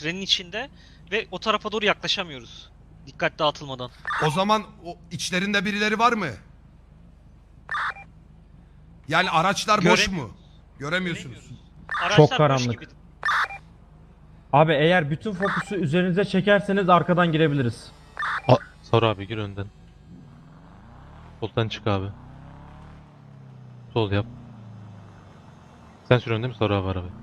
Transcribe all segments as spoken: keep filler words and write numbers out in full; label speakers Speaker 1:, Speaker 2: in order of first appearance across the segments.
Speaker 1: trenin içinde ve o tarafa doğru yaklaşamıyoruz. Dikkat dağıtılmadan.
Speaker 2: O zaman o içlerinde birileri var mı? Yani araçlar boş mu?
Speaker 1: Göremiyoruz.
Speaker 2: Göremiyorsunuz.
Speaker 1: Göremiyoruz. Araçlar
Speaker 3: Çok
Speaker 1: boş
Speaker 3: karanlık.
Speaker 1: gibi.
Speaker 3: Abi eğer bütün fokusu üzerinize çekerseniz arkadan girebiliriz.
Speaker 4: A Sor abi, gir önden. Soldan çık abi. Sol yap. Sen sür önde mi? Sor abi arabayı.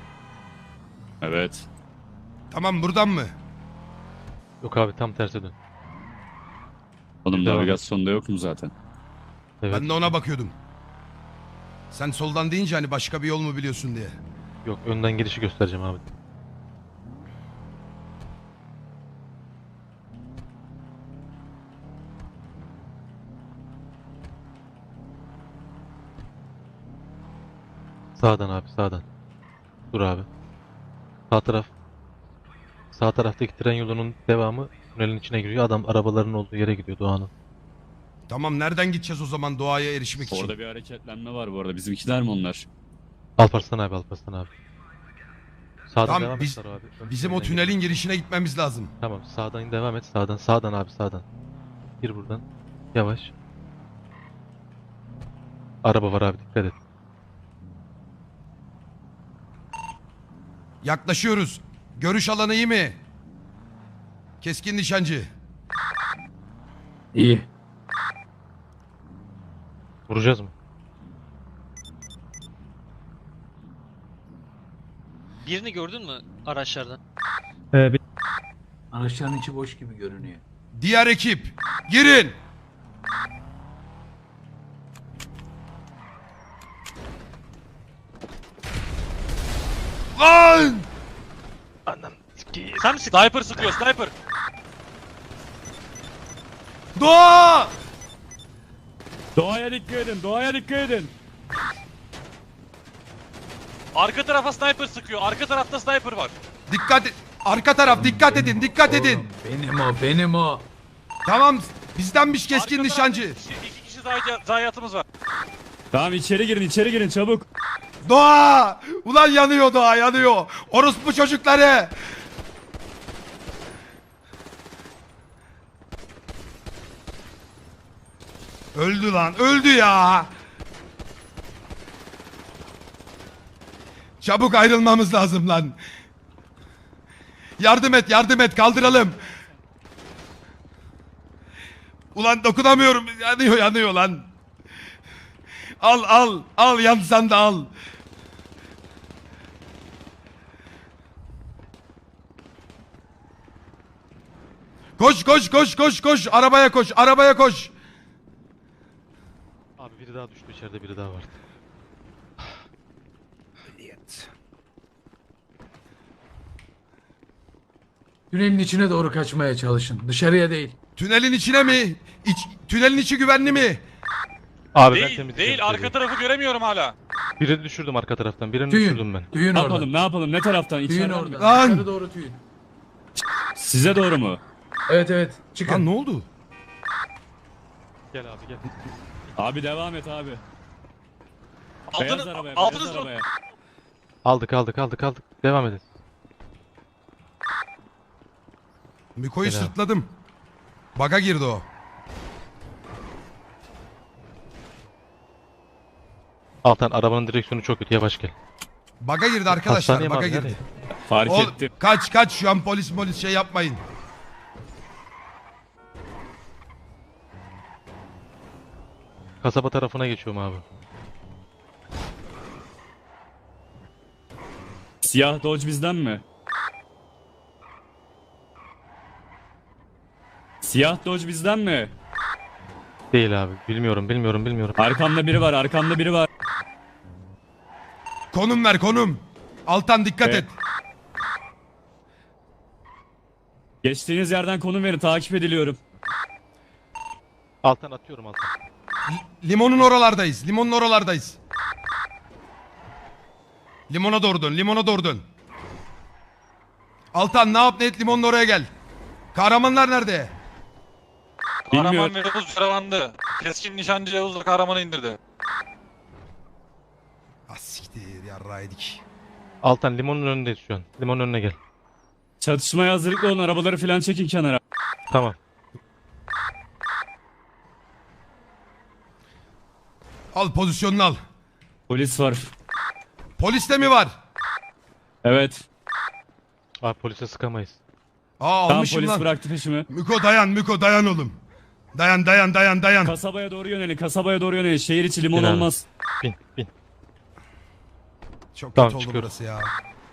Speaker 5: Evet.
Speaker 2: Tamam, buradan mı?
Speaker 4: Yok abi, tam terse dön.
Speaker 5: Oğlum
Speaker 4: Devam.
Speaker 5: navigasyonda yok mu zaten?
Speaker 4: Evet.
Speaker 2: Ben de ona bakıyordum. Sen soldan deyince hani başka bir yol mu biliyorsun diye.
Speaker 4: Yok, önden girişi göstereceğim abi. Sağdan abi, sağdan. Dur abi. Sağ taraf. Sağ taraftaki tren yolunun devamı tünelin içine giriyor. Adam arabaların olduğu yere gidiyor, Doğan'ın.
Speaker 2: Tamam, nereden gideceğiz o zaman doğaya erişmek için?
Speaker 5: Orada bir hareketlenme var bu arada. Bizimkiler mi onlar?
Speaker 4: Alparslan abi, Alparslan abi. Sağdan
Speaker 2: Tamam,
Speaker 4: devam
Speaker 2: biz-
Speaker 4: et Saro abi. Ön
Speaker 2: Bizim o
Speaker 4: tünelden
Speaker 2: tünelin
Speaker 4: gir.
Speaker 2: girişine gitmemiz lazım.
Speaker 4: Tamam, sağdan devam et. Sağdan, sağdan abi, sağdan. Gir buradan. Yavaş. Araba var abi, dikkat et.
Speaker 2: Yaklaşıyoruz. Görüş alanı iyi mi? Keskin nişancı.
Speaker 6: İyi.
Speaker 4: Vuracağız mı?
Speaker 1: Birini gördün mü araçlardan?
Speaker 3: Ee, bir-
Speaker 6: Araçların içi boş gibi görünüyor.
Speaker 2: Diğer ekip, girin. Lan!
Speaker 4: Anam sikeyim.
Speaker 1: Sen mi sıktın?
Speaker 7: Sniper sıkıyor, sniper.
Speaker 2: Doğa!
Speaker 5: Doğaya dikkat edin, doğaya dikkat edin.
Speaker 7: Arka tarafa sniper sıkıyor. Arka tarafta sniper var.
Speaker 2: Dikkat et. Arka taraf dikkat edin, dikkat edin.
Speaker 6: Oğlum, benim o, benim o.
Speaker 2: Tamam, bizdenmiş keskin
Speaker 7: Arka
Speaker 2: nişancı.
Speaker 7: tarafta iki kişi, iki kişi zayi- zayiatımız var.
Speaker 5: Tamam, içeri girin, içeri girin çabuk.
Speaker 2: Doğa! Ulan yanıyor Doğa, yanıyor. Orospu çocukları. Öldü lan, öldü ya. Çabuk ayrılmamız lazım lan. Yardım et, yardım et, kaldıralım. Ulan dokunamıyorum, yanıyor, yanıyor lan. Al, al, al, yansan da al. Koş, koş, koş, koş, koş. Arabaya koş, arabaya koş.
Speaker 4: Abi biri daha düştü, içeride biri daha vardı.
Speaker 6: Tünelin içine doğru kaçmaya çalışın. Dışarıya değil.
Speaker 2: Tünelin içine mi? İç, tünelin içi güvenli mi?
Speaker 4: Abi ben
Speaker 7: Değil,
Speaker 4: temizleyeceğim
Speaker 7: değil. Arka
Speaker 4: içeriği.
Speaker 7: tarafı göremiyorum hala.
Speaker 4: Birini düşürdüm arka taraftan, birini
Speaker 6: Tüyün.
Speaker 4: düşürdüm ben.
Speaker 6: Tüyün
Speaker 5: Ne
Speaker 6: orada.
Speaker 5: yapalım, ne yapalım, ne taraftan?
Speaker 6: Tüyün
Speaker 5: İçeriden
Speaker 6: orada.
Speaker 5: mi?
Speaker 2: Lan!
Speaker 6: Dışarı doğru tüyün.
Speaker 5: Size doğru mu?
Speaker 6: Evet evet. Çıkın.
Speaker 2: Lan ne oldu?
Speaker 4: Gel abi gel.
Speaker 5: Abi devam et abi. Beyaz
Speaker 7: Altını,
Speaker 5: arabaya,
Speaker 7: altınız
Speaker 5: beyaz
Speaker 7: mı?
Speaker 5: arabaya.
Speaker 4: Aldık aldık aldık aldık. Devam edin.
Speaker 2: Miko'yu
Speaker 4: Selam.
Speaker 2: sırtladım. Baga girdi o.
Speaker 4: Altan, arabanın direksiyonu çok kötü, yavaş gel.
Speaker 2: Baga girdi arkadaşlar,
Speaker 4: Hastaneye mi
Speaker 2: baga
Speaker 4: abi,
Speaker 2: girdi.
Speaker 4: nereye?
Speaker 5: Fark
Speaker 2: Oğlum,
Speaker 5: ettim.
Speaker 2: kaç kaç, şu an polis polis şey yapmayın.
Speaker 4: Kasaba tarafına geçiyorum abi.
Speaker 5: Siyah Dodge bizden mi? Siyah Dodge bizden mi?
Speaker 4: Değil abi. Bilmiyorum bilmiyorum bilmiyorum.
Speaker 5: Arkamda biri var, arkamda biri var.
Speaker 2: Konum ver, konum. Altan dikkat
Speaker 5: Evet.
Speaker 2: et.
Speaker 5: Geçtiğiniz yerden konum verin, takip ediliyorum.
Speaker 4: Altan atıyorum Altan.
Speaker 2: Limonun oralardayız. Limonun oralardayız. Limona doğru dön. Limona doğru dön. Altan ne yap ne et, limonun oraya gel. Kahramanlar nerede?
Speaker 7: Kahraman
Speaker 5: Bilmiyorum.
Speaker 7: ve Yavuz yaralandı. Keskin nişancı Yavuz da kahramanı indirdi.
Speaker 2: Ah siktir, yarraydık.
Speaker 4: Altan limonun önündeyiz şu an. Limonun önüne gel.
Speaker 5: Çatışmaya hazırlıklı olun, arabaları falan çekin kenara.
Speaker 4: Tamam.
Speaker 2: Al pozisyonunu al.
Speaker 5: Polis var.
Speaker 2: Polis de mi var?
Speaker 5: Evet.
Speaker 4: Abi polise sıkamayız.
Speaker 2: Aa
Speaker 5: Tamam,
Speaker 2: almışım
Speaker 5: polis
Speaker 2: lan.
Speaker 5: bıraktı peşimi.
Speaker 2: Miko dayan Miko dayan oğlum. Dayan dayan dayan dayan.
Speaker 5: Kasabaya doğru yönelin, kasabaya doğru yönelin. Şehir içi limon
Speaker 4: Bin abi.
Speaker 5: olmaz.
Speaker 4: Bin bin.
Speaker 2: Çok
Speaker 4: Tamam,
Speaker 2: kötü oldu
Speaker 4: çıkıyoruz.
Speaker 2: burası ya.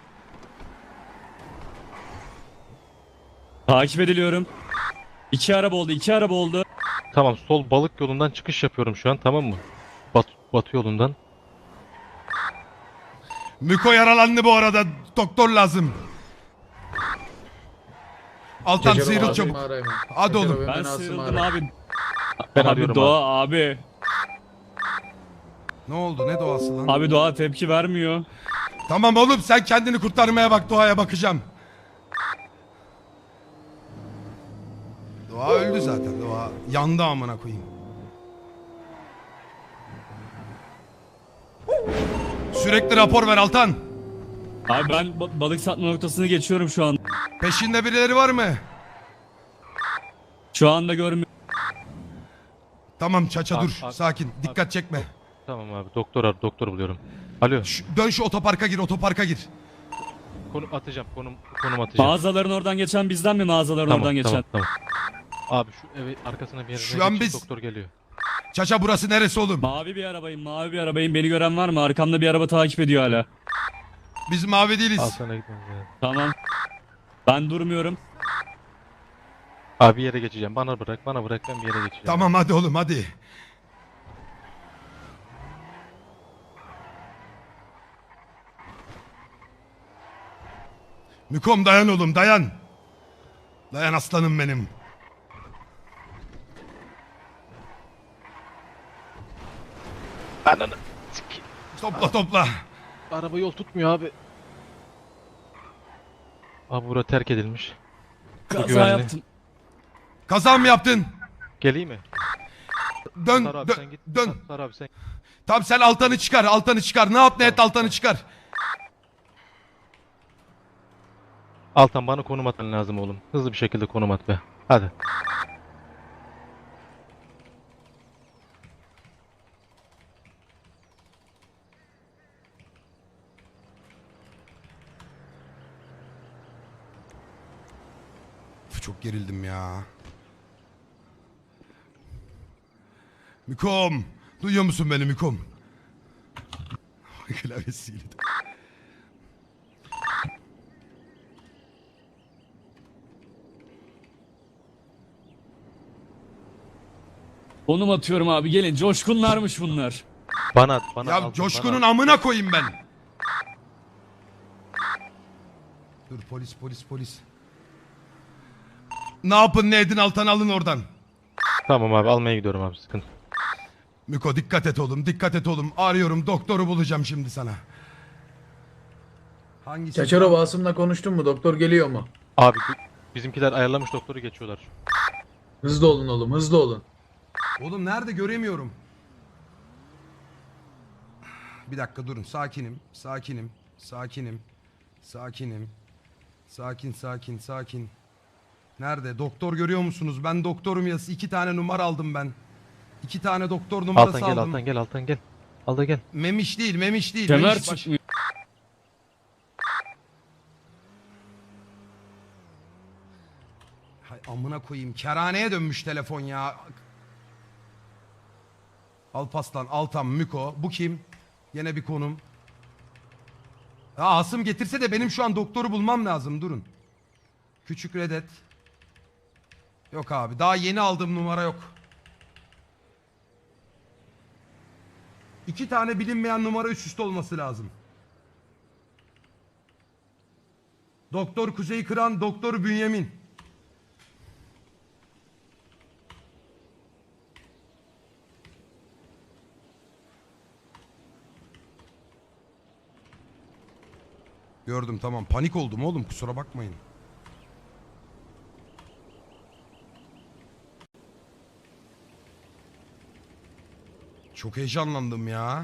Speaker 5: Takip ediliyorum. İki araba oldu, iki araba oldu.
Speaker 4: Tamam, sol balık yolundan çıkış yapıyorum şu an, tamam mı? Bat, batı yolundan.
Speaker 2: Miko yaralandı bu arada. Doktor lazım. Altan
Speaker 6: Cecero
Speaker 2: sıyrıl
Speaker 6: abimi
Speaker 2: çabuk.
Speaker 6: arayın.
Speaker 2: Hadi
Speaker 6: Cecero
Speaker 2: oğlum.
Speaker 6: ve
Speaker 5: Ben
Speaker 6: beni Asım'ı
Speaker 5: sıyrıldım
Speaker 6: arayın.
Speaker 5: abi.
Speaker 4: Ben
Speaker 5: abi
Speaker 4: arıyorum
Speaker 5: Doğa abi.
Speaker 2: Ne oldu ne doğası lan?
Speaker 5: Abi Doğa tepki vermiyor.
Speaker 2: Tamam oğlum sen kendini kurtarmaya bak, Doğa'ya bakacağım. Doğa öldü zaten. Doğa yandı amına koyayım. Sürekli rapor ver Altan.
Speaker 5: Abi ben ba- balık satma noktasını geçiyorum şu an.
Speaker 2: Peşinde birileri var mı?
Speaker 5: Şu anda görmüyorum.
Speaker 2: Tamam Çaça
Speaker 4: Abi,
Speaker 2: dur.
Speaker 4: abi,
Speaker 2: Sakin. Dikkat çekme.
Speaker 4: Tamam abi, doktor ar, doktor buluyorum. Alo,
Speaker 2: Şu- dön şu otoparka gir, otoparka gir.
Speaker 4: konum atacağım, konum konum atacağım.
Speaker 5: Mağazaların oradan geçen bizden mi, mağazaların
Speaker 4: Tamam,
Speaker 5: oradan geçen?
Speaker 4: tamam, tamam. Abi şu evi arkasına bir yere
Speaker 2: Şu an
Speaker 4: geçin,
Speaker 2: biz-
Speaker 4: doktor geliyor.
Speaker 2: Çaça burası neresi oğlum?
Speaker 5: Mavi bir arabayım, mavi bir arabayım. Beni gören var mı? Arkamda bir araba takip ediyor hala.
Speaker 2: Biz mavi değiliz.
Speaker 4: Al sana gitmemiz lazım.
Speaker 5: Tamam. Ben durmuyorum.
Speaker 4: Abi bir yere geçeceğim. Bana bırak, bana bırak, ben bir yere geçeceğim.
Speaker 2: Tamam hadi oğlum hadi. Mükom dayan oğlum dayan. Dayan aslanım benim.
Speaker 4: Ananı sik-
Speaker 2: Topla topla.
Speaker 4: Araba yol tutmuyor abi. Abi bura terk edilmiş.
Speaker 5: Kaza
Speaker 4: güvenli.
Speaker 5: yaptım.
Speaker 2: Kaza mı yaptın?
Speaker 4: Geleyim mi?
Speaker 2: Dön
Speaker 4: Sar abi
Speaker 2: dön
Speaker 4: sen git.
Speaker 2: dön.
Speaker 4: Sar abi sen.
Speaker 2: Tamam sen Altan'ı çıkar, Altan'ı çıkar. Ne yap ne et
Speaker 4: Tamam,
Speaker 2: Altan'ı
Speaker 4: tamam.
Speaker 2: çıkar.
Speaker 4: Altan bana konum atman lazım oğlum. Hızlı bir şekilde konum at be. Hadi.
Speaker 2: Üf, çok gerildim ya. Mükom. Duyuyor musun beni Mükom? Klavyesiyle.
Speaker 5: Konum atıyorum abi, gelin. Coşkunlarmış bunlar.
Speaker 4: Bana at, bana
Speaker 2: Ya
Speaker 4: Altan,
Speaker 2: Coşkun'un
Speaker 4: bana at.
Speaker 2: amına koyayım ben. Dur polis polis polis. Ne yapın ne edin Altan'ı alın oradan.
Speaker 4: Tamam abi, almaya gidiyorum abi, sıkıntı.
Speaker 2: Miko dikkat et oğlum dikkat et oğlum. Arıyorum doktoru bulacağım şimdi sana. Hangisi?
Speaker 6: Çaçarov Asım'la konuştun mu? Doktor geliyor mu?
Speaker 4: Abi bi- bizimkiler ayarlamış, doktoru geçiyorlar.
Speaker 6: Hızlı olun oğlum, hızlı olun.
Speaker 2: Oğlum nerede göremiyorum. Bir dakika durun sakinim sakinim sakinim sakinim. Sakin sakin sakin. Nerede? Doktor görüyor musunuz? Ben doktorum ya. İki tane numara aldım ben. İki tane doktor numarası
Speaker 4: Altan gel,
Speaker 2: aldım.
Speaker 4: Altan gel, Altan gel. Al da gel.
Speaker 2: Memiş değil, memiş değil.
Speaker 5: Kemer
Speaker 2: Memiş baş-
Speaker 5: çıkmıyor.
Speaker 2: Hay amına koyayım. Kerhaneye dönmüş telefon ya. Alpaslan, Altan, Müko. Bu kim? Yine bir konum. Ya Asım getirse de benim şu an doktoru bulmam lazım. Durun. Küçük Redet. Yok abi. Daha yeni aldığım numara yok. İki tane bilinmeyen numara üst üste olması lazım. Doktor Kuzey Kıran, Doktor Bünyamin. Gördüm tamam. Panik oldum oğlum kusura bakmayın. Çok heyecanlandım ya.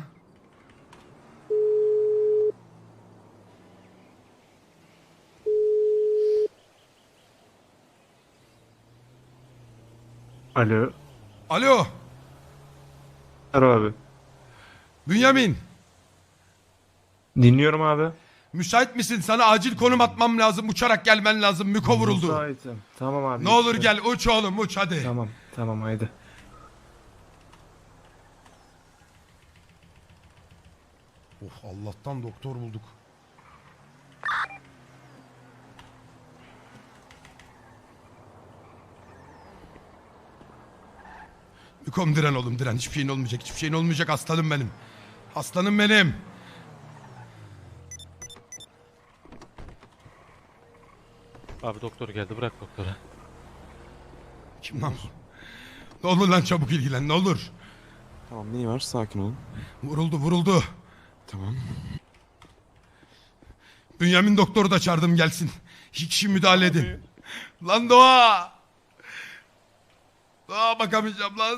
Speaker 8: Alo.
Speaker 2: Alo.
Speaker 8: Merhaba abi.
Speaker 2: Bünyamin.
Speaker 8: Dinliyorum abi.
Speaker 2: Müsait misin? Sana acil konum atmam lazım. Uçarak gelmen lazım. Müko vuruldu.
Speaker 8: Müsaitim. Tamam abi.
Speaker 2: Ne olur
Speaker 8: lütfen.
Speaker 2: gel uç oğlum uç hadi.
Speaker 8: Tamam. Tamam haydi.
Speaker 2: Oh Allah'tan doktor bulduk. Mükom diren oğlum diren. Hiçbir şeyin olmayacak. Hiçbir şeyin olmayacak aslanım benim. Aslanım benim.
Speaker 4: Abi doktor geldi, bırak doktora.
Speaker 2: Kim lan bu? Ne olur lan çabuk ilgilen ne olur.
Speaker 9: Tamam neyi var? Sakin olun.
Speaker 2: Vuruldu vuruldu.
Speaker 9: Tamam.
Speaker 2: Bünyamin doktoru da çağırdım gelsin. İki kişi müdahale edin. Lan Doğa. Doğa bakamayacağım lan.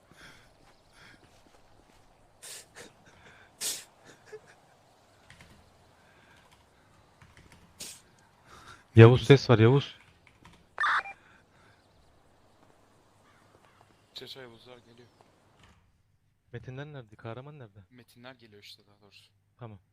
Speaker 4: Yavuz ses var, Yavuz.
Speaker 9: Çeşe Yavuzlar geliyor.
Speaker 4: Metinler nerede? Kahraman nerede?
Speaker 9: Metinler geliyor işte daha doğrusu.
Speaker 4: Tamam.